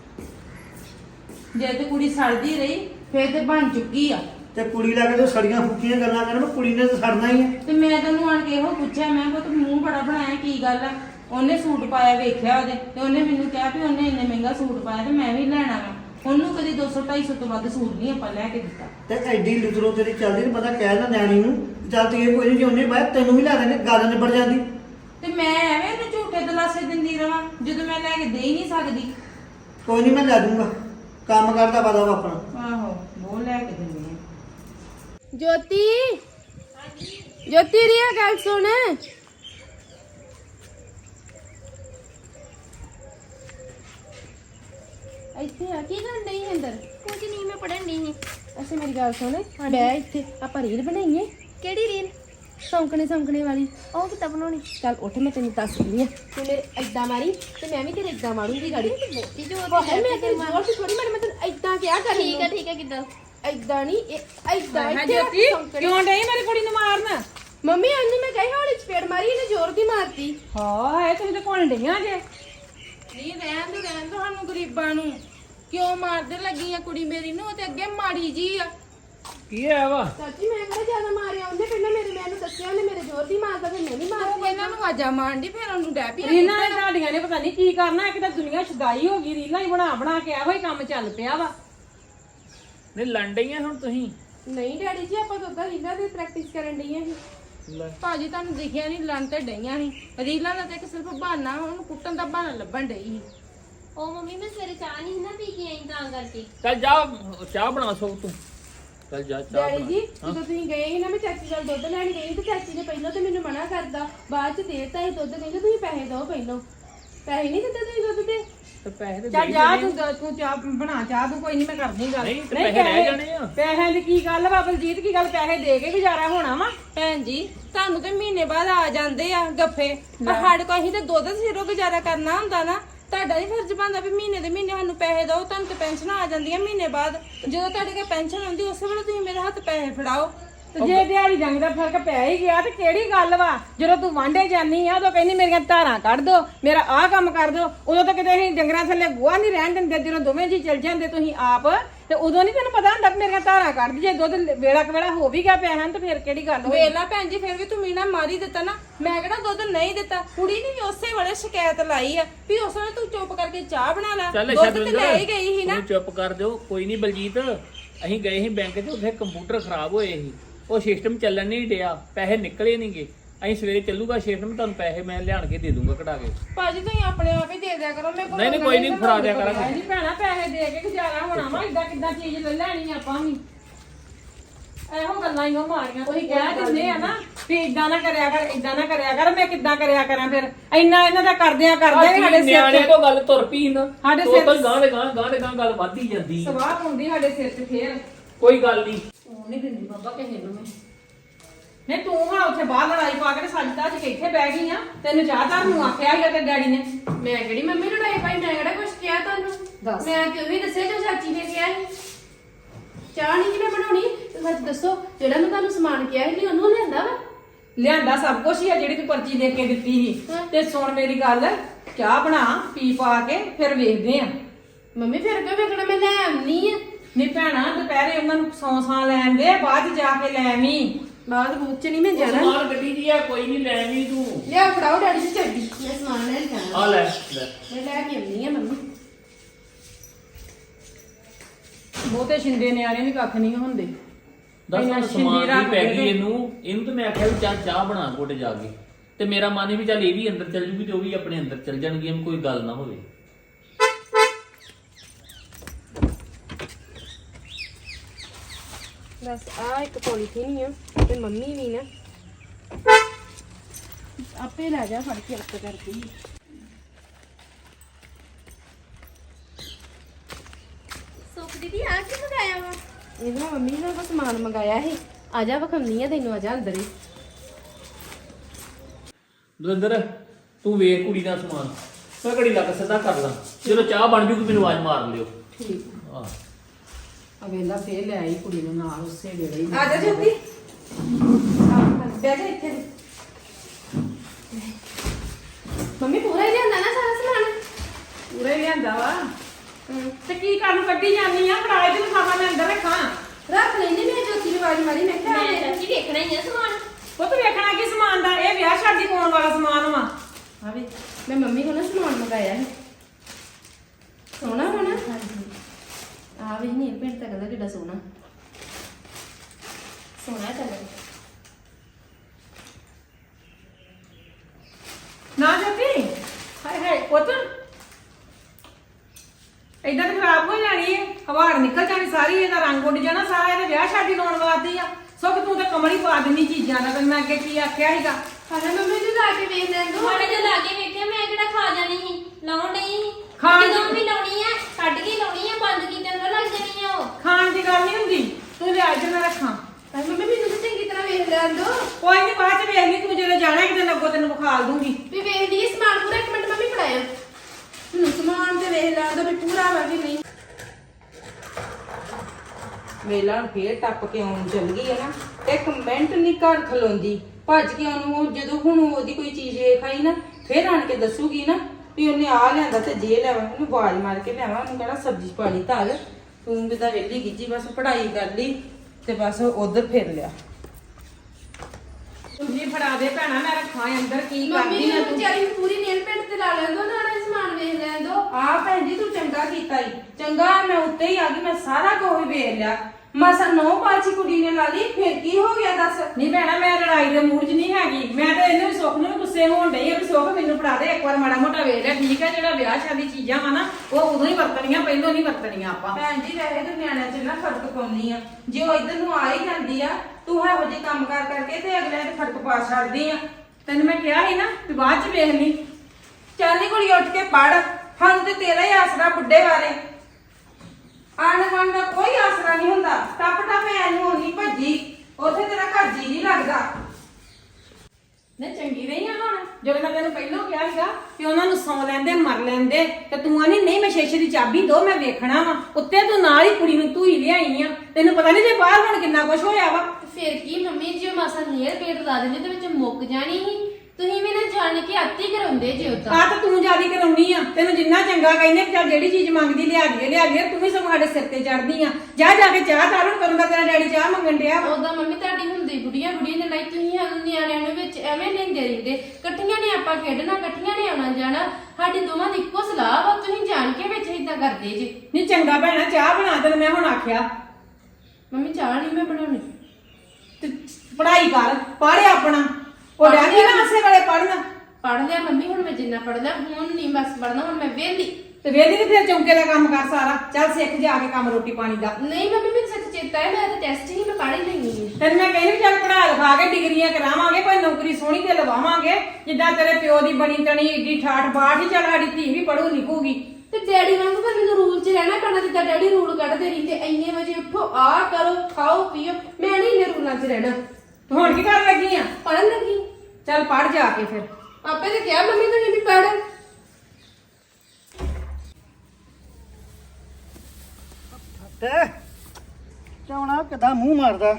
D: ਜੇ ਤੇ ਕੁੜੀ ਸੜਦੀ ਰਹੀ ਫੇਰ ਤੇ ਬਣ ਚੁੱਕੀ ਆ।
E: ਤੇ ਕੁੜੀ ਲਾ ਕੇ ਤੇ ਸੜੀਆਂ ਫੁੱਕੀਆਂ ਗੱਲਾਂ ਕਰਨ, ਕੁੜੀ ਨੇ ਤਾਂ ਸੜਨਾ ਹੀ ਹੈ।
D: ਤੇ ਮੈਂ ਤੈਨੂੰ ਆਣ ਕੇ ਇਹੋ ਪੁੱਛਿਆ, ਮੈਂ ਕਿਹਾ ਤੂੰ ਮੂੰਹ ਬੜਾ ਬਣਾਇਆ, ਕੀ ਗੱਲ ਆ? ਉਹਨੇ ਸੂਟ ਪਾਇਆ ਵੇਖਿਆ ਉਹਦੇ ਤੇ ਉਹਨੇ ਮੈਨੂੰ ਕਿਹਾ ਵੀ ਉਹਨੇ ਇੰਨੇ ਮਹਿੰਗਾ ਸੂਟ ਪਾਇਆ ਤੇ ਮੈਂ ਵੀ ਲੈਣਾ ਵਾ। ਉਹਨੂੰ ਕਦੀ 200-250 ਤੋਂ ਵੱਧ ਸੂਟ ਨਹੀਂ ਆਪਾਂ ਲੈ ਕੇ ਦਿੱਤਾ।
E: ਤੇ ਐਡੀ ਲੁਤਰੋ ਤੇਰੀ ਚੱਲਦੀ ਨੀ, ਪਤਾ ਕਹਿ ਨਾ ਨਿਆਣੀ ਨੂੰ ਚੱਲ ਤੇ ਕੋਈ ਨਹੀਂ, ਜੇ ਉਹਨੇ ਬਾਅਦ ਤੈਨੂੰ ਵੀ ਲੈ ਦੇਣੇ, ਗੱਲ ਨਿਬੜ ਜਾਂਦੀ।
D: ਤੇ ਮੈਂ ਐਵੇਂ ਉਹਨੂੰ ਝੂਠੇ ਦਲਾਸੇ ਦਿੰਦੀ ਰਵਾਂ ਜਦੋਂ ਮੈਂ ਲੈ ਕੇ ਦੇ ਹੀ ਨਹੀਂ ਸਕਦੀ।
E: ਕੋਈ ਨਹੀਂ, ਮੈਂ ਲੈ ਦੂੰਗਾ, ਕੰਮ ਕਰਦਾ ਪਤਾ ਵਾ ਆਪਣਾ।
D: ਆਹੋ, ਉਹ ਲੈ ਕੇ ਦਿੰਦੀ ਆ।
B: ਜੋਤੀ ਜੋਤੀ ਰੀਆ ਗੱਲ ਸੁਣ ਇੱਥੇ ਆ ਕੀ ਕਰਨ ਡਈ ਹੈ ਅੰਦਰ
C: ਕੁਝ ਨਹੀਂ ਮੈਂ ਪੜਨ ਨਹੀਂ ਸੀ।
B: ਅੱਛਾ ਮੇਰੀ ਗੱਲ ਸੁਣ ਬੈ ਇੱਥੇ ਆਪਾਂ ਰੀਲ ਬਣਾਈਏ
C: ਕਿਹੜੀ ਰੀਲ?
B: ਸੌਂਕਣੇ ਵਾਲੀ
C: ਉਹ ਕਿੱਦਾਂ ਬਣਾਉਣੀ?
B: ਚੱਲ ਉੱਠ ਮੈਂ ਤੈਨੂੰ ਦੱਸ ਦਿੰਦੀ ਆ ਤੂੰ ਮੇਰੇ ਏਦਾਂ ਮਾਰੀ ਤੇ ਮੈਂ ਵੀ ਤੇਰੇ ਏਦਾਂ ਮਾਰੂੰਗੀ ਗਾੜੀ
C: ਬਹੁਤੀ ਜੋਰ
B: ਉਹ ਹੈ ਮੈਂ ਤੇਰੀ ਜ਼ੋਰ ਸੀ ਥੋੜੀ ਮੈਂ ਤੈਨੂੰ ਏਦਾਂ ਕਿਹਾ ਕਰ
C: ਠੀਕ ਹੈ ਕਿੱਦਾਂ?
B: ਏਦਾਂ ਨਹੀਂ ਏਦਾਂ
D: ਹਾਂ
B: ਇੱਥੇ
D: ਜੋਤੀ
B: ਸੌਂਕਣੇ।
D: ਕਿਉਂ ਡਈ ਮੇਰੀ ਕੁੜੀ ਨੂੰ ਮਾਰਨ?
B: ਮੰਮੀ ਉਹਨੂੰ ਮੈਂ ਕਹੀ ਹੌਲੀ ਚਪੇੜ ਮਾਰੀ ਇਹਨੇ ਜ਼ੋਰ ਦੀ ਮਾਰਤੀ
D: ਹਾਂ ਇਹ ਤੁਸੀਂ ਤਾਂ ਕੋਣ ਡਈਆਂ ਜੇ ਨਹੀਂ ਰਹਿਣ ਦੋ ਸਾਨੂੰ ਗਰੀਬਾਂ ਨੂੰ ਕਿਉਂ ਮਾਰਦੇ ਲੱਗੀ ਆ ਕੁੜੀ ਮੇਰੀ ਨੂੰ ਤੇ ਅੱਗੇ ਮਾੜੀ ਜੀ ਆ
A: ਕੀ ਹੈ ਵਾ?
B: ਚਾਚੀ ਮੈਂ ਕਿਹੜਾ ਜ਼ਿਆਦਾ ਮਾਰਿਆ ਉਹਨੇ ਪਹਿਲਾਂ ਮੈਨੂੰ ਦੱਸਿਆ ਉਹਨੇ ਮੇਰੇ ਜ਼ੋਰ ਦੀ ਮਾਰਦਾ ਫਿਰ ਮੈਂ ਨਹੀਂ
D: ਉਹ
B: ਮਾਰਦੀ
D: ਇਹਨਾਂ ਨੂੰ ਆਜਾ ਮਾਰਦੀ ਫਿਰ ਉਹਨੂੰ ਡੈ ਪਈ
F: ਰੀਲਾਂ ਇਹ ਤੁਹਾਡੀਆਂ ਨੇ ਪਤਾ ਨਹੀਂ ਕੀ ਕਰਨਾ ਇੱਕ ਤਾਂ ਦੁਨੀਆ ਛਦਾਈ ਹੋ ਗਈ ਰੀਲਾਂ ਹੀ ਬਣਾ ਕੇ ਇਹੋ ਹੀ ਕੰਮ ਚੱਲ ਪਿਆ ਵਾ
A: ਨਹੀਂ ਲੰਡਈਆਂ ਹੁਣ ਤੁਸੀਂ
B: ਨਹੀਂ ਡੈਡੀ ਜੀ ਆਪਾਂ ਤਾਂ ਉਦਾਂ ਰੀਲਾਂ ਦੀ ਪ੍ਰੈਕਟਿਸ ਕਰਨ ਡਈਆਂ ਸੀ
D: ਭਾਜੀ ਤੁਹਾਨੂੰ ਦਿਖਿਆ ਨਹੀਂ ਲੰਨ ਤੇ ਡਈਆਂ ਸੀ ਰੀਲਾਂ ਦਾ ਤੇ ਇੱਕ ਸਿਰਫ ਬਹਾਨਾ ਉਹਨੂੰ ਕੁੱਟਣ ਦਾ ਬਹਾਨਾ ਲੱਭਣ ਡਈ ਸੀ
C: ਉਹ ਮੰਮੀ ਮੈਂ ਸਵੇਰੇ ਚਾਹ ਨਹੀਂ ਸੀ ਨਾ ਪੀ ਕੇ ਆਈ ਤਾਂ ਕਰਕੇ।
A: ਚੱਲ ਜਾ ਚਾਹ ਬਣਾ ਸੋ ਤੂੰ ਚੱਲ ਜਾ ਚਾਹ
B: ਡੈਡੀ ਜੀ
A: ਬਣਾ।
B: ਜਦੋਂ ਤੁਸੀਂ ਗਏ ਸੀ ਨਾ ਮੈਂ ਚਾਚੀ ਨਾਲ ਦੁੱਧ ਲੈਣ ਗਈ ਤੇ ਚਾਚੀ ਨੇ ਪਹਿਲਾਂ ਤੇ ਮੈਨੂੰ ਮਨਾ ਕਰਦਾ ਬਾਅਦ ਚ ਦੇਤਾ ਇਹ ਦੁੱਧ ਕਹਿੰਦੇ ਤੁਸੀਂ ਪੈਸੇ ਦਿਓ ਪਹਿਲਾਂ ਪੈਸੇ ਨਹੀਂ ਦਿੱਤੇ ਤੁਸੀਂ ਦੁੱਧ ਦੇ
A: ਤੇ ਪੈਸੇ ਤੇ
F: ਚੱਲ
A: ਦੇ
F: ਜਾ
A: ਦੇਣੇ।
F: ਤੂੰ ਚਾਹ ਬਣਾ ਚਾਹ ਤੂੰ ਕੋਈ ਨਹੀਂ ਮੈਂ ਕਰਦੀ ਗੱਲ
A: ਨਹੀਂ, ਤੇ ਪੈਸੇ ਰਹਿ ਜਾਣੇ ਆ।
F: ਪੈਸਿਆਂ ਦੀ ਕੀ ਗੱਲ ਵਾ ਬਲਜੀਤ ਕੀ ਗੱਲ ਪੈਸੇ ਦੇ ਕੇ ਗੁਜ਼ਾਰਾ ਹੋਣਾ ਵਾ
D: ਭੈਣ ਜੀ ਤੁਹਾਨੂੰ ਤੇ ਮਹੀਨੇ ਬਾਅਦ ਆ ਜਾਂਦੇ ਆ ਗੱਫੇ ਪਰ ਸਾਡੇ ਕੋਲ ਅਸੀਂ ਤੇ ਦੁੱਧ ਸਿਰੋਂ ਗੁਜ਼ਾਰਾ ਕਰਨਾ ਹੁੰਦਾ ਨਾ ਤੁਹਾਡਾ ਵੀ ਫਰਜ਼ ਬਣਦਾ ਵੀ ਮਹੀਨੇ ਦੇ ਮਹੀਨੇ ਸਾਨੂੰ ਪੈਸੇ ਦਿਓ ਤੁਹਾਨੂੰ ਤੇ ਪੈਨਸ਼ਨ ਆ ਜਾਂਦੀਆਂ ਮਹੀਨੇ ਬਾਅਦ ਜਦੋਂ ਤੁਹਾਡੇ ਕੋਲ ਪੈਨਸ਼ਨ ਆਉਂਦੀ ਉਸੇ ਵੇਲੇ ਤੁਸੀਂ ਮੇਰੇ ਹੱਥ ਪੈਸੇ ਫੜਾਓ
F: ਤੇ ਜੇ ਦਿਹਾੜੀ ਜੰਗ ਦਾ ਫਰਕ ਪੈ ਹੀ ਗਿਆ ਤੇ ਕਿਹੜੀ ਗੱਲ ਵਾ ਜਦੋਂ ਤੂੰ ਵਾਂਡੇ ਜਾਨੀ ਆ ਉਦੋਂ ਕਹਿੰਦੀ ਮੇਰੀਆਂ ਧਾਰਾਂ ਕੱਢ ਦੋ ਮੇਰਾ ਆਹ ਕੰਮ ਕਰ ਦੋ ਉਦੋਂ ਤਾਂ ਕਿਤੇ ਅਸੀਂ ਡੰਗਰਾਂ ਥੱਲੇ ਗੋਹਾ ਨਹੀਂ ਰਹਿਣ ਦਿੰਦੇ ਜਦੋਂ ਦੋਵੇਂ ਜੀ ਚਲ ਜਾਂਦੇ ਤੁਸੀਂ ਆਪ ਤੇ ਉਦੋਂ ਨਹੀਂ ਤੈਨੂੰ ਪਤਾ ਹੁੰਦਾ ਕਿ ਮੇਰੀਆਂ ਧਾਰਾਂ ਕੱਢ ਜੇ ਦੁੱਧ ਵੇਲਾ ਕਵੇਲਾ ਹੋ ਵੀ ਗਿਆ ਪਿਆ ਹਨ ਤੇ ਫਿਰ ਕਿਹੜੀ ਗੱਲ ਹੋਈ
D: ਵੇਲਾ ਭੈਣ ਜੀ ਫਿਰ ਵੀ ਤੂੰ ਮੀਨਾ ਮਾਰੀ ਦਿੱਤਾ ਨਾ ਮੈਂ ਕਿਹੜਾ ਦੁੱਧ ਨਹੀਂ ਦਿੱਤਾ ਕੁੜੀ ਨੇ ਵੀ ਉਸੇ ਵੇਲੇ ਸ਼ਿਕਾਇਤ ਲਾਈ ਆ ਵੀ ਉਸ ਵੇਲੇ ਤੂੰ ਚੁੱਪ ਕਰਕੇ ਚਾਹ ਬਣਾ ਲੈ
A: ਚੱਲ
D: ਦੁੱਧ ਤੇ
A: ਸ਼ਬਦਿੰਦਰ
D: ਲੈ ਹੀ ਗਈ ਸੀ ਨਾ
A: ਤੂੰ ਚੁੱਪ ਕਰ ਦਿਓ ਕੋਈ ਨਹੀਂ ਬਲਜੀਤ ਅਸੀਂ ਗਏ ਸੀ ਬੈਂਕ 'ਚ ਉੱਥੇ ਕੰਪਿਊਟਰ ਖਰਾਬ ਹੋਏ ਸੀ ਉਹ ਸਿਸਟਮ ਚੱਲਣ ਨਹੀਂ ਡਿਆ ਪੈਸੇ ਨਿਕਲੇ ਨਹੀਂਗੇ ਅਸੀਂ ਸਵੇਰੇ ਚੱਲੂਗਾ ਸਿਸਟਮ ਤੁਹਾਨੂੰ ਪੈਸੇ ਮੈਂ ਲਿਆਣ ਕੇ ਦੇ ਦੂੰਗਾ ਕਢਾ ਕੇ
D: ਭਾਜੀ ਤੁਸੀਂ ਆਪਣੇ ਆਪ ਹੀ ਦੇ ਦਿਆ ਕਰੋ ਮੇਰੇ ਕੋਲ
A: ਨਹੀਂ ਕੋਈ ਨਹੀਂ ਫੜਾ ਦਿਆ ਕਰਾਂਗੇ
F: ਨਹੀਂ ਭੈਣਾ ਪੈਸੇ ਦੇ ਕੇ ਗੁਜ਼ਾਰਾ ਹੋਣਾ ਵਾ ਇਦਾਂ ਕਿੱਦਾਂ ਚੀਜ਼ ਲੈ ਲੈਣੀ ਆਪਾਂ ਵੀ ਇਹੋ ਗੱਲਾਂ ਹੀ ਉਹ ਮਾਰੀਆਂ ਕੋਈ ਕਹਿ ਦਿੰਦੇ ਆ ਨਾ ਵੀ ਇਦਾਂ ਨਾ ਕਰਿਆ ਕਰ ਇਦਾਂ ਨਾ ਕਰਿਆ ਕਰ ਮੈਂ ਕਿੱਦਾਂ ਕਰਿਆ ਕਰਾਂ ਫਿਰ ਇੰਨਾ ਇਹਨਾਂ ਦਾ ਕਰਦੇ ਵੀ ਸਾਡੇ ਸਿਰ
A: ਨਿਆਣੇ
F: ਤੇ
A: ਤੋਂ ਗੱਲ ਤੁਰ ਪਈ ਨਾ
F: ਸਾਡੇ
A: ਤੋਂ
F: ਸਿਰ-
A: ਤਾਂ ਗਾਂ ਦੇ ਗਾਂ ਗੱਲ ਵੱਧਦੀ ਜਾਂਦੀ
F: ਸਵਾਹ ਹੁੰਦੀ ਸਾਡੇ ਸਿਰ ਤੇ ਫੇਰ
A: ਕੋਈ ਗੱਲ ਨਹੀਂ
F: ਉਹ ਨਹੀਂ ਦਿੰਦੀ ਬਾਬਾ ਕਿਸੇ ਨੂੰ ਨਹੀਂ ਤੂੰ ਹਾਂ ਉੱਥੇ ਬਾਹਰ ਲੜਾਈ ਪਾ ਕੇ ਸੱਜਦਾ ਚ ਇੱਥੇ ਬਹਿ ਗਈ ਆ ਤੈਨੂੰ ਚਾਹਦਾਰ ਨੂੰ ਆਖਿਆ ਸੀ ਤੇ ਡੈਡੀ ਨੇ
B: ਮੈਂ ਕਿਹੜੀ ਮੰਮੀ ਨੂੰ ਲੜਾਈ ਪਾਈ ਮੈਂ ਕਿਹੜਾ ਕੁਝ ਕਿਹਾ ਤੁਹਾਨੂੰ
F: ਦੱਸ।
B: ਮੈਂ ਕਿਉਂ ਵੀ ਦੱਸਿਆ ਜੋ ਚਾਚੀ ਨੇ ਕਿਹਾ ਸੀ ਚਾਹ ਨਹੀਂ ਕਿ ਮੈਂ ਬਣਾਉਣੀ ਤੇ ਸੱਚ ਦੱਸੋ ਜਿਹੜਾ ਮੈਂ ਤੁਹਾਨੂੰ ਸਮਾਨ ਕਿਹਾ ਸੀ ਨਹੀਂ ਉਹਨੂੰ ਲਿਆਂਦਾ ਵਾ
F: ਲਿਆਂਦਾ ਸਭ ਕੁਝ ਹੀ ਆ ਜਿਹੜੀ ਤੂੰ ਪਰਚੀ ਦੇ ਕੇ ਦਿੱਤੀ ਸੀ
B: ਹਾਂ।
F: ਤੇ ਸੁਣ ਮੇਰੀ ਗੱਲ ਚਾਹ ਬਣਾ ਪੀ ਪਾ ਕੇ ਫਿਰ ਵੇਖਦੇ ਆ
B: ਮੰਮੀ ਫਿਰ ਕਿਉਂ ਵੇਖਣਾ ਮੈਂ ਲੈ ਆਉਣੀ ਆ
F: ਨਹੀਂ ਭੈਣਾ ਦੁਪਹਿਰੇ ਉਹਨਾਂ ਨੂੰ ਸੌਂ ਲੈਣ ਦੇ ਬਾਅਦ 'ਚ ਜਾ ਕੇ ਲੈ ਆਵੀਂ
B: ਬਾਅਦ ਬੂਚ ਨਹੀਂ ਮੈਂ ਜਾਣਾ
A: ਸਮਾਨ ਗੱਡੀ ਦੀ ਆ ਕੋਈ ਨਹੀਂ ਲੈਣੀ ਤੂੰ
B: ਲਿਆ ਫੜਾਓ ਡੈਡੀ ਜੀ ਚੱਡੀ ਮੈਂ ਸਮਾਨ ਲੈਣ ਜਾਣਾ
A: ਆ ਲੈ
B: ਮੈਂ ਲੈ ਕੇ ਆਉਣੀ ਆ ਮੰਮੀ
F: ਬਹੁਤੇ ਛਿੰਦੇ ਨਿਆਣੇ ਵੀ ਕੱਖ ਨਹੀਂ ਹੁੰਦੇ
A: ਦੱਸ
F: ਇੰਨਾ
A: ਹੁਣ
F: ਛਿੰਦੀ
A: ਸਮਾਨ ਦੀ
F: ਰੱਖ
A: ਪੈ
F: ਕੇ
A: ਗਈ
F: ਤੇ-
A: ਇਹਨੂੰ ਤੇ ਮੈਂ ਆਖਿਆ ਵੀ ਚੱਲ ਚਾਹ ਬਣਾ ਕੋਟ ਜਾ ਕੇ ਤੇ ਮੇਰਾ ਮਨ ਵੀ ਚੱਲ ਇਹ ਵੀ ਅੰਦਰ ਚੱਲ ਜੂਗੀ ਤੇ ਉਹ ਵੀ ਆਪਣੇ ਅੰਦਰ ਚੱਲ ਜਾਣਗੀਆਂ ਕੋਈ ਗੱਲ ਨਾ ਹੋਵੇ
B: ਬਸ ਆ ਇੱਕ ਪੋਲੀਥੀਨ ਆ ਤੇ ਮੰਮੀ ਵੀ ਨਾ ਆਪੇ ਲੈ ਜਾ ਫੜ ਕੇ ਰੱਖ ਕਰਦੀ
C: ਸੁਖ ਦੀਦੀ ਆ ਕੀ ਮੰਗਾਇਆ ਵਾ?
B: ਇਹਦੇ ਨਾਲ ਮੰਮੀ ਨੇ ਕੋਈ ਸਮਾਨ ਮੰਗਾਇਆ ਸੀ ਆ ਜਾ ਵਿਖਾਉਣੀ ਆ ਤੈਨੂੰ ਆ ਜਾ ਅੰਦਰ ਹੀ
A: ਦਵਿੰਦਰ ਤੂੰ ਵੇਖ ਕੁੜੀ ਦਾ ਸਮਾਨ ਮੈਂ ਘੜੀ ਲੱਗ ਸਿੱਧਾ ਕਰ ਲਾਂ ਜਦੋਂ ਚਾਹ ਬਣ ਜੂਗੀ ਮੈਨੂੰ ਆਵਾਜ਼ ਮਾਰ ਲਿਓ
F: ਠੀਕ
A: ਆਹ
F: ਆ ਵੇਲਾ ਫੇਰ ਲੈ ਆਈ ਕੁੜੀ ਨੂੰ ਨਾਲ ਉਸੇ ਵੇਲੇ ਹੀ
B: ਆ ਜਾ ਜੋਤੀ ਬਹਿ ਜਾ ਇੱਥੇ ਮੰਮੀ ਪੂਰਾ ਹੀ ਲਿਆਂਦਾ ਨਾ ਸਾਰਾ ਸਮਾਨ
F: ਪੂਰਾ ਹੀ ਲਿਆਂਦਾ ਵਾ ਤੇ ਕੀ ਕਰਨ ਕੱਢੀ ਜਾਨੀ ਆ ਫੜਾਏ ਤੇ ਲਿਫਾਫਾ ਮੈਂ ਅੰਦਰ ਰੱਖਾਂ
B: ਰੱਖ ਲੈਣੀ ਮੈਂ ਜੋਤੀ ਨੂੰ ਆਵਾਜ਼ ਮਾਰੀ ਮੈਂ ਕਿਹਾ
C: ਮੈਂ ਚਾਚੀ ਵੇਖਣਾ ਹੀ ਆ ਸਮਾਨ।
F: ਉਹ ਤੂੰ ਵੇਖਣਾ ਕੀ ਸਮਾਨ ਦਾ ਇਹ ਵਿਆਹ ਸ਼ਾਦੀ ਪਾਉਣ ਵਾਲਾ ਸਮਾਨ ਵਾ
B: ਆ ਵੀ ਮੈਂ ਮੰਮੀ ਕੋਲ ਨਾ ਸਮਾਨ ਮੰਗਾਇਆ ਸੀ ਸੋਹਣਾ ਹੋਣਾ ਆ ਵੀ ਨੀਲ ਪੈਂਟ ਤਾਂ ਕਹਿੰਦਾ ਕਿੱਡਾ ਸੋਹਣਾ
C: ਸੋਹਣਾ ਕਲਰ।
F: ਨਾ ਜੱਤੀ ਹਾਏ ਹਾਏ ਪੁੱਤ ਏਦਾਂ ਤਾਂ ਖਰਾਬ ਹੋ ਜਾਣੀ ਹੈ ਹਵਾੜ ਨਿਕਲ ਜਾਣੀ ਸਾਰੀ ਇਹਦਾ ਰੰਗ ਉੱਡ ਜਾਣਾ ਸਾਰਾ ਇਹਦੇ ਵਿਆਹ ਸ਼ਾਦੀ ਲਾਉਣ ਵਾਸਤੇ ਆ ਸੁੱਖ ਤੂੰ ਤਾਂ ਕਮਲੀ ਪਾ ਦਿੰਦੀ ਚੀਜ਼ਾਂ ਦਾ ਤੈਨੂੰ ਮੈਂ ਅੱਗੇ ਕੀ ਆਖਿਆ ਸੀਗਾ।
B: ਹਾਲੇ ਮੰਮੀ ਜੀ ਲਾ ਕੇ ਵੇਖ ਲੈਣ ਦੋ।
C: ਮਾੜੇ ਜਿਹਾ ਲਾ ਕੇ ਵੇਖਿਆ ਮੈਂ ਕਿਹੜਾ ਖਾ ਜਾਣੀ ਸੀ ਲਾਉਣ ਨਹੀਂ
F: ਖਾਣ ਦੀ-
C: ਜਦੋਂ ਵੀ ਲਾਉਣੀ ਆ ਕੱਢ ਕੇ ਲਾਉਣੀ ਆ ਬੰਦ ਕੀਤੇ ਅੰਦਰ ਲੱਗ ਜਾਣੀ ਆ ਉਹ।
F: ਖਾਣ ਦੀ ਗੱਲ ਨਹੀਂ ਹੁੰਦੀ, ਤੂੰ ਲਿਆ ਇੱਧਰ ਮੈਂ ਰੱਖਾਂ।
B: ਹਾਲੇ ਮੰਮੀ ਮੈਨੂੰ ਤਾਂ ਚੰਗੀ ਤਰ੍ਹਾਂ ਵੇਖ ਲੈਣ ਦੋ।
F: ਕੋਈ ਨਹੀਂ ਬਾਅਦ ਚ ਵੇਖ ਲਈ, ਤੂੰ ਜਦੋਂ ਜਾਣਾ ਕਿਤੇ ਲੱਗੋ ਤੈਨੂੰ ਵਿਖਾਲ ਦੂੰਗੀ।
B: ਵੀ ਵੇਖ ਲਈਏ ਸਮਾਨ ਪੂਰਾ। ਇੱਕ ਮਿੰਟ ਮੰਮੀ ਫੜਾਇਆ ਮੈਨੂੰ ਸਮਾਨ ਤੇ ਵੇਖ ਲੈਣ ਦੋ ਵੀ ਪੂਰਾ ਵਾ ਕਿ ਨਹੀਂ।
D: ਮੇਲਾ ਫੇਰ ਟੱਪ ਕੇ ਆਉਣ ਚੱਲ ਗਈ ਹੈ ਨਾ, ਇੱਕ ਮਿੰਟ ਨਹੀਂ ਘਰ ਖਲੋਂਦੀ, ਭੱਜ ਕੇ ਉਹਨੂੰ ਜਦੋਂ ਹੁਣ ਉਹਦੀ ਕੋਈ ਚੀਜ਼ ਵੇਖ ਆਈ ਨਾ ਫੇਰ ਆਣ ਕੇ ਦੱਸੂਗੀ ਨਾ ਵੀ ਉਹਨੇ ਆ ਲਿਆਂਦਾ ਤੇ ਜੇ ਲਿਆਵਾ, ਉਹਨੂੰ ਆਵਾਜ਼ ਮਾਰ ਕੇ ਲਿਆਵਾ, ਉਹਨੂੰ ਕਹਿਣਾ ਸਬਜ਼ੀ ਪਾਣੀ ਧਰ, ਤੂੰ ਕਿਦਾਂ ਵਿਹਲੀ ਗਿੱਜੀ ਬਸ ਪੜ੍ਹਾਈ ਕਰ ਲਈ ਤੇ ਬਸ ਉਧਰ ਫਿਰ ਲਿਆ।
F: ਜੀ ਫੜਾ ਦੇ ਭੈਣਾ, ਮੈਂ ਰੱਖਾਂ ਅੰਦਰ ਕੀ
B: ਮੰਮੀ
F: ਕਰਦੀ ਆ
B: ਨੂੰ
F: ਤੂੰ।
B: ਵਿਚਾਰੀ ਨੂੰ ਪੂਰੀ ਨੇਲ ਪੇਂਟ ਤੇ ਲਾ ਲੈਣ ਦੋ, ਨਾਲੇ ਸਮਾਨ ਵੇਖ ਲੈਣ ਦੋ।
D: ਆ ਭੈਣ ਜੀ ਤੂੰ ਚੰਗਾ ਕੀਤਾ ਈ, ਚੰਗਾ ਮੈਂ ਉੱਤੇ ਹੀ ਆ ਗਈ, ਮੈਂ ਸਾਰਾ ਕੁਝ ਵੇਖ ਲਿਆ। ਮਸਾ 9 ਪਾਚੀ ਕੁੜੀ ਨੇ ਲਾ ਲਈ, ਫਿਰ ਕੀ ਹੋ ਗਿਆ ਦੱਸ।
F: ਨਹੀਂ ਭੈਣਾ ਮੈਂ ਲੜਾਈ ਦੇ ਮੂਡ 'ਚ ਨਹੀਂ ਹੈਗੀ, ਮੈਂ ਤਾਂ ਇਹਨੂੰ ਵੀ ਸੁੱਖ ਨੂੰ ਵੀ ਗੁੱਸੇ ਹੋਣ ਡਈ ਆ ਵੀ ਸੁੱਖ ਮੈਨੂੰ ਫੜਾ ਦੇ ਇੱਕ ਵਾਰ ਮਾੜਾ ਮੋਟਾ ਵੇਖ ਲੈ। ਠੀਕ ਹੈ ਜਿਹੜਾ ਵਿਆਹ ਸ਼ਾਦੀ ਚੀਜ਼ਾਂ ਵਾ ਨਾ ਉਹ ਉਦੋਂ ਹੀ ਵਰਤਣੀਆਂ, ਪਹਿਲਾਂ ਨਹੀਂ ਵਰਤਣੀਆਂ ਆਪਾਂ।
D: ਭੈਣ ਜੀ ਵੈਸੇ ਤੂੰ ਨਿਆਣਿਆਂ 'ਚ ਨਾ ਫਰਕ ਪਾਉਣੀ ਆ, ਜੇ ਉਹ ਇੱਧਰ ਨੂੰ ਆ ਹੀ ਜਾਂਦੀ ਆ ਤੂੰ ਇਹੋ ਜਿਹੇ ਕੰਮ ਕਰਕੇ ਤੇ ਅਗਲੇ ਤੇ ਫਰਕ ਪਾ ਛੱਡਦੀ ਆ।
F: ਤੈਨੂੰ ਮੈਂ ਕਿਹਾ ਸੀ ਨਾ ਵੀ ਬਾਅਦ 'ਚ ਵੇਖ ਲਈ।
D: ਚੱਲ ਨੀ ਕੁੜੀ ਉੱਠ ਕੇ ਪੜ, ਸਾਨੂੰ ਤੇ ਤੇਰਾ ਹੀ ਆਸਰਾ ਬੁੱਢੇ ਬਾਰੇ। ਆਣ ਗਣ ਦਾ ਕੋਈ ਆਸਰਾ ਨਹੀਂ ਹੁੰਦਾ, ਟੱਪ ਟੱਪ ਐ ਨੂੰ ਹੋਣੀ ਭੱਜੀ, ਉੱਥੇ ਤੇਰਾ ਘਰ ਜੀ ਨਹੀਂ ਲੱਗਦਾ।
F: ਨਹੀਂ ਚੰਗੀ ਰਹੀ ਆ ਹੁਣ, ਜਦੋਂ ਮੈਂ ਤੈਨੂੰ ਪਹਿਲਾਂ ਕਿਹਾ ਸੀਗਾ ਕਿ ਉਹਨਾਂ ਨੂੰ ਸੌ ਲੈਂਦੇ ਮਰ ਲੈਂਦੇ ਤੇ ਤੂੰ ਆਨੀ ਨਹੀਂ ਮੈਂ ਸ਼ੀਸ਼ੇ ਦੀ ਚਾਬੀ ਦੋ ਮੈਂ ਵੇਖਣਾ ਵਾ, ਉੱਤੇ ਤੂੰ ਨਾਲ ਹੀ ਕੁੜੀ ਨੂੰ ਧੂਈ ਲਿਆਈ ਆ। ਤੈਨੂੰ ਪਤਾ ਨਹੀਂ ਜੇ ਬਾਹਰ ਹੁਣ ਕਿੰਨਾ ਕੁਝ ਹੋਇਆ ਵਾ।
B: ਫਿਰ ਕੀ ਮੰਮੀ ਜੀ ਮਾਸਾ ਨੇਲ ਪੇਂਟ ਲਾ ਦਿੰਦੇ ਤੇ ਵਿੱਚ ਮੁੱਕ ਜਾਣੀ ਸੀ। ਤੁਸੀਂ ਵੀ ਨਾ ਜਾਣ ਕੇ ਆਤੀ ਕਰਾਉਂਦੇ ਜੀ ਉਦਾਂ।
F: ਆ ਤਾਂ ਤੂੰ ਜਿਆਦੀ ਕਰਾਉਣੀ ਆ, ਤੈਨੂੰ ਜਿੰਨਾ ਚੰਗਾ ਕਹਿੰਦੇ ਕਿ ਚੱਲ ਜਿਹੜੀ ਚੀਜ਼ ਮੰਗਦੀ ਲਿਆ ਦਈਏ, ਤੂੰ ਵੀ ਸਗੋਂ ਸਾਡੇ ਸਿਰ ਤੇ ਚੜਦੀ ਆ। ਜਾ ਜਾ ਕੇ ਚਾਹ ਤਾਰਨ ਕਰੂੰਗਾ, ਤੇਰਾ ਡੈਡੀ ਚਾਹ ਮੰਗਣ ਡਿਆ ਵਾ।
B: ਉਦਾਂ ਮੰਮੀ ਤੁਹਾਡੀ ਹੁੰਦੀ ਬੁੜੀਆਂ ਨੇ ਲਈ, ਤੁਸੀਂ ਸਾਨੂੰ ਨਿਆਣਿਆਂ ਨੂੰ ਵਿੱਚ ਐਵੇਂ ਲੈਂਦੇ ਰਹਿੰਦੇ। ਇਕੱਠੀਆਂ ਨੇ ਆਪਾਂ ਖੇਡਣਾ, ਇਕੱਠੀਆਂ ਨੇ ਆਉਣਾ ਜਾਣਾ, ਸਾਡੀ ਦੋਵਾਂ ਦੀ ਇੱਕੋ ਸਲਾਹ ਵਾ, ਤੁਸੀਂ ਜਾਣ ਕੇ ਵਿੱਚ ਇਦਾਂ ਕਰਦੇ ਜੀ।
F: ਨਹੀਂ ਚੰਗਾ ਭੈਣਾ ਚਾਹ ਬਣਾ, ਤੈਨੂੰ ਮੈਂ ਹੁਣ ਆਖਿਆ
B: ਮੰਮੀ ਚਾਹ ਨਹੀਂ ਮੈਂ ਬਣਾਉਣੀ।
F: ਤੇ ਪੜ੍ਹਾਈ ਕਰ, ਪੜ੍ਹ ਆਪਣਾ। ਉਹ ਡੈਡੀ ਨਾ ਆਸੇ ਵਾਲੇ ਪੜ੍ਹਨਾ।
B: ਪੜ੍ਹ ਲਿਆ ਮੰਮੀ, ਹੁਣ ਮੈਂ ਜਿੰਨਾ ਪੜ੍ਹ ਲਿਆ ਹੁਣ ਨਹੀਂ ਬਸ ਪੜ੍ਹਨਾ, ਹੁਣ ਮੈਂ ਵਿਹਲੀ।
F: ਤੇ ਵੇਦੀ ਤੇ ਫਿਰ ਚੌਂਕੇ ਦਾ ਕੰਮ ਕਰ ਸਾਰਾ, ਚੱਲ ਸਿੱਖ ਜਾ ਕੇ ਕੰਮ ਰੋਟੀ ਪਾਣੀ ਦਾ।
B: ਨਹੀਂ ਮੰਮੀ ਮੈਨੂੰ ਸੱਚ ਚੇਤਾ ਹੈ, ਮੈਂ ਤਾਂ ਟੈਸਟ ਹੀ ਮੈਂ ਪੜ੍ਹ ਹੀ ਲੈਣੀ ਹੈ।
F: ਤੈਨੂੰ ਮੈਂ ਕਹਿੰਦੀ ਵੀ ਚੱਲ ਪੜ੍ਹਾ ਲਿਖਾ ਕੇ ਡਿਗਰੀਆਂ ਕਰਾਵਾਂਗੇ, ਕੋਈ ਨੌਕਰੀ ਸੋਹਣੀ ਤੇ ਲਵਾਵਾਂਗੇ, ਜਿੱਦਾਂ ਤੇਰੇ ਪਿਓ ਦੀ ਬਣੀ ਤਣੀ ਏਡੀ ਠਾਠ ਬਾਠ ਹੀ, ਚੱਲ ਸਾਡੀ ਧੀ ਵੀ ਪੜੂ ਲਿਖੂਗੀ।
B: ਤੇ ਡੈਡੀ ਵਾਂਗੂ ਫਿਰ ਮੈਨੂੰ ਰੂਲ 'ਚ ਰਹਿਣਾ ਪੈਣਾ, ਜਿੱਦਾਂ ਡੈਡੀ ਰੂਲ ਕੱਢਦੇ ਰਹਿੰਦੇ, ਇੰਨੇ ਵਜੇ ਉੱਠੋ, ਆਹ ਕਰੋ, ਖਾਓ ਪੀਓ। ਮੈਂ ਨਹੀਂ ਇੰਨੇ ਰੂਲਾਂ 'ਚ ਰਹਿਣਾ।
F: ਤੂੰ ਹੁਣ ਕੀ ਕਰਨ ਲੱਗੀ ਆ?
B: ਪੜ੍ਹਨ ਲੱਗੀ।
F: ਚੱਲ ਪੜ੍ਹ ਜਾ ਕੇ ਫਿਰ।
B: ਆਪੇ ਤੇ ਕਿਹਾ ਮੰਮੀ ਤੁਸੀਂ ਵੀ ਪੜ੍ਹ।
E: ਤੇ ਚਾਉਣਾ ਕਿਦਾਂ ਮੂੰਹ ਮਾਰਦਾ।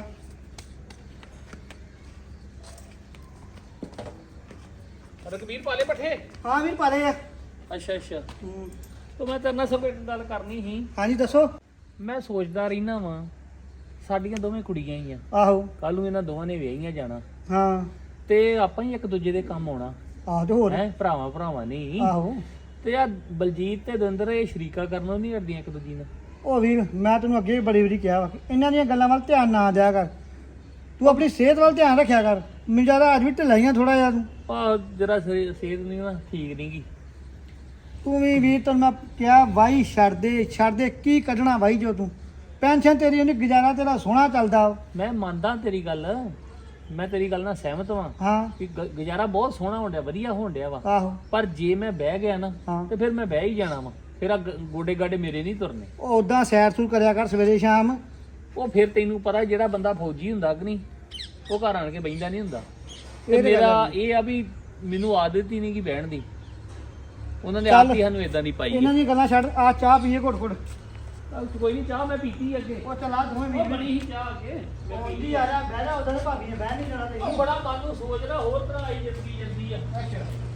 A: ਰਘਬੀਰ ਪਾਲੇ ਪੱਠੇ।
E: ਹਾਂ ਵੀਰ ਪਾਲੇ ਆ।
A: ਅੱਛਾ ਅੱਛਾ। ਤੋ ਮੈਂ ਤੇਰੇ ਨਾਲ ਸਭ ਇੱਕ ਗੱਲ ਕਰਨੀ ਸੀ।
E: ਹਾਂਜੀ ਦੱਸੋ।
A: ਮੈਂ ਸੋਚਦਾ ਰਹਿਣਾ ਵਾਂ ਸਾਡੀਆਂ ਦੋਵੇਂ ਕੁੜੀਆਂ ਹੀ ਆ,
E: ਆਹੋ
A: ਕੱਲ ਨੂੰ ਇਹਨਾਂ ਦੋਵਾਂ ਨੇ ਵਿਆਹੀਆਂ ਜਾਣਾ
E: ਹਾਂ
A: ਤੇ ਆਪਾਂ ਹੀ ਇੱਕ ਦੂਜੇ ਦੇ ਕੰਮ ਆਉਣਾ
E: ਆਹ ਤੇ ਹੋਰ
A: ਹੈ, ਭਰਾਵਾਂ ਨਹੀਂ।
E: ਆਹੋ
A: ਤੇ ਆ ਬਲਜੀਤ ਤੇ ਦਵਿੰਦਰ ਇਹ ਸ਼ਰੀਕਾ ਕਰਨੋਂ ਨਹੀਂ ਹਟਦੀਆਂ ਇੱਕ ਦੂਜੀ ਨਾਲ।
E: ਉਹ ਵੀਰ ਮੈਂ ਤੈਨੂੰ ਅੱਗੇ ਵੀ ਬੜੀ ਵਾਰੀ ਕਿਹਾ ਵਾ ਕਿ ਇਹਨਾਂ ਦੀਆਂ ਗੱਲਾਂ ਵੱਲ ਧਿਆਨ ਨਾ ਦਿਆ ਕਰ, ਤੂੰ ਆਪਣੀ ਸਿਹਤ ਵੱਲ ਧਿਆਨ ਰੱਖਿਆ ਕਰ। ਮੈਨੂੰ ਜ਼ਿਆਦਾ ਅੱਜ ਵੀ ਢਿੱਲਾਈਆਂ ਥੋੜਾ ਜਿਹਾ ਤੂੰ।
A: ਆ ਜਰਾ ਸਿਹਤ ਨਹੀਂ ਨਾ ਠੀਕ ਨਹੀਂਗੀ।
E: ਤੂੰ ਵੀ ਵੀਰ ਤੈਨੂੰ ਮੈਂ ਕਿਹਾ ਵਾਈ ਛੱਡ ਦੇ ਕੀ ਕੱਢਣਾ ਵਾਈ ਜੋ ਤੂੰ ਪੈਨਸ਼ਨ ਤੇਰੀ ਉਹਨੇ ਗੁਜ਼ਾਰਾ ਤੇਰਾ ਸੋਹਣਾ ਚੱਲਦਾ।
A: ਮੈਂ ਮੰਨਦਾ ਤੇਰੀ ਗੱਲ, ਮੈਂ ਤੇਰੀ ਗੱਲ ਨਾਲ ਸਹਿਮਤ ਵਾਂ
E: ਹਾਂ
A: ਕਿ ਗੁਜ਼ਾਰਾ ਬਹੁਤ ਸੋਹਣਾ ਹੋਣ ਡਿਆ, ਵਧੀਆ ਹੋਣ ਡਿਆ ਵਾ।
E: ਆਹੋ
A: ਪਰ ਜੇ ਮੈਂ ਬਹਿ ਗਿਆ ਨਾ
E: ਹਾਂ।
A: ਤੇ ਫਿਰ ਮੈਂ ਬਹਿ ਹੀ ਜਾਣਾ ਵਾ, ਫਿਰ ਆ ਗੋਡੇ ਗਾਡੇ ਮੇਰੇ ਨਹੀਂ ਤੁਰਨੇ।
E: ਉਹ ਉਦਾਂ ਸੈਰ ਸੂਰ ਕਰਿਆ ਕਰ ਸਵੇਰੇ ਸ਼ਾਮ।
A: ਉਹ ਫਿਰ ਤੈਨੂੰ ਪਤਾ ਜਿਹੜਾ ਬੰਦਾ ਫੌਜੀ ਹੁੰਦਾ ਕਿ ਨਹੀਂ ਉਹ ਘਰ ਆਣ ਕੇ ਬੈਠਦਾ ਨਹੀਂ ਹੁੰਦਾ। ਤੇ
E: ਇਹ ਤਾਂ ਗੱਲ
A: ਮੇਰਾ
E: ਹੈ।
A: ਇਹ ਆ ਵੀ ਮੈਨੂੰ ਆਦਤ ਹੀ ਨਹੀਂ ਕਿ ਬਹਿਣ ਦੀ, ਉਹਨਾਂ ਨੇ
E: ਚੱਲ।
A: ਆਪ ਹੀ ਸਾਨੂੰ ਇਦਾਂ ਦੀ ਪਾਈ
E: ਇਹਨਾਂ
A: ਹੈ।
E: ਦੀਆਂ ਗੱਲਾਂ ਛੱਡ, ਆ ਚਾਹ ਪੀਏ ਘੁੱਟ ਘੁੱਟ।
A: ਚੱਲ ਕੋਈ ਨਹੀਂ, ਚਾਹ ਮੈਂ ਪੀਤੀ ਅੱਗੇ।
E: ਉਹ ਚਲਾ ਦੋਵੇਂ
A: ਉਹ
E: ਵੀਰ
A: ਬਣੀ ਸੀ ਚਾਹ ਅੱਗੇ ਮੈਂ
E: ਜੀ
A: ਪੀਤੀ।
E: ਆ ਜਾ ਬਹਿ ਜਾ, ਉਧਰ ਭਾਬੀ ਨੇ ਬਹਿ ਨਹੀਂ ਜਾਣਾ
A: ਉਹ
E: ਤੈਨੂੰ।
A: ਬੜਾ ਮਨ ਨੂੰ ਸੋਚਦਾ ਹੋਰ ਤਰ੍ਹਾਂ ਆਈ ਜ਼ਿੰਦਗੀ ਜਾਂਦੀ ਆ।
E: ਅੱਛਾ